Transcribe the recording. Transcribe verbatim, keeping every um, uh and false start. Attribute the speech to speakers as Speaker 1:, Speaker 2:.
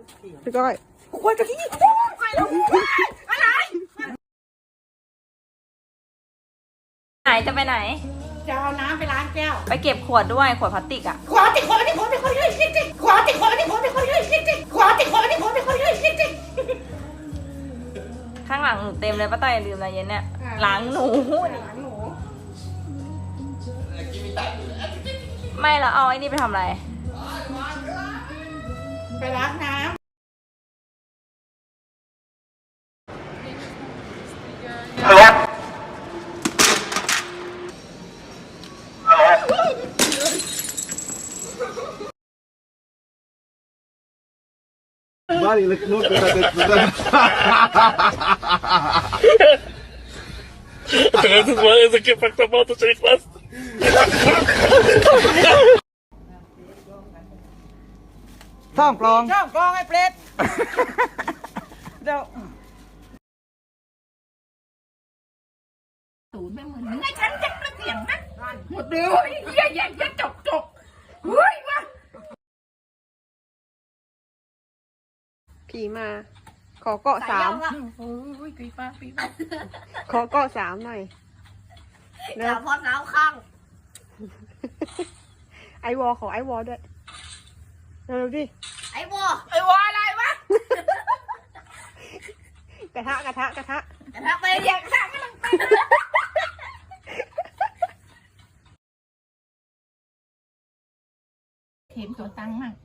Speaker 1: พี่ก้อย
Speaker 2: ขวดกะทิไปแล้วอะไร
Speaker 3: ไหนจะไปไหน
Speaker 2: จะเอาน้ำไปล้างแก้ว
Speaker 3: ไปเก็บขวดด้วยขวดพลาสติกอ่ะ
Speaker 2: ขวดติดขวดติดขวดติดขวดเลยติ๊กติ๊กขวดติดขวดติดขวดติดขวดเลยติ๊กติ๊กขวดติดขวดติดขวดติดขวดเลยติ๊กติ๊ก
Speaker 3: ข้างหลังหนูเต็มเลยป้าต้อยอย่าลืมนะเย็นเนี่ยล้างหนู
Speaker 2: ล้างหนู
Speaker 3: ไม่แล้วเอาไอ้นี่ไปทำอะไร
Speaker 2: ไปล้างน้ำ
Speaker 4: Vale, le no te
Speaker 5: Entonces, ¿de qué factor moto se class?
Speaker 1: ซ่อมกลอง
Speaker 2: ช่องกลองไอ้เปรตเดี๋ยวตูนไม่เหมือนไงฉันจะกระเสียงนะหมดเลยเยี่ยยจะจกจกเฮ้ยวะ
Speaker 1: ผีมา ขอเกาะสาม
Speaker 2: โอ้ยปีป้าปีป้า
Speaker 1: ขอเกาะสามหน่อยเร็ว
Speaker 3: พอเท้าข้าง
Speaker 1: ไอวอขอไอวอด้วยเร็วดิ
Speaker 3: ไอ้บัว
Speaker 2: ไอ้วะอะไรวะ
Speaker 1: กระทะกระทะกระทะ
Speaker 3: แต่ถ้าไปเรียกข้างก็ต้องไป
Speaker 2: เห็นตัวตังค์มั่ง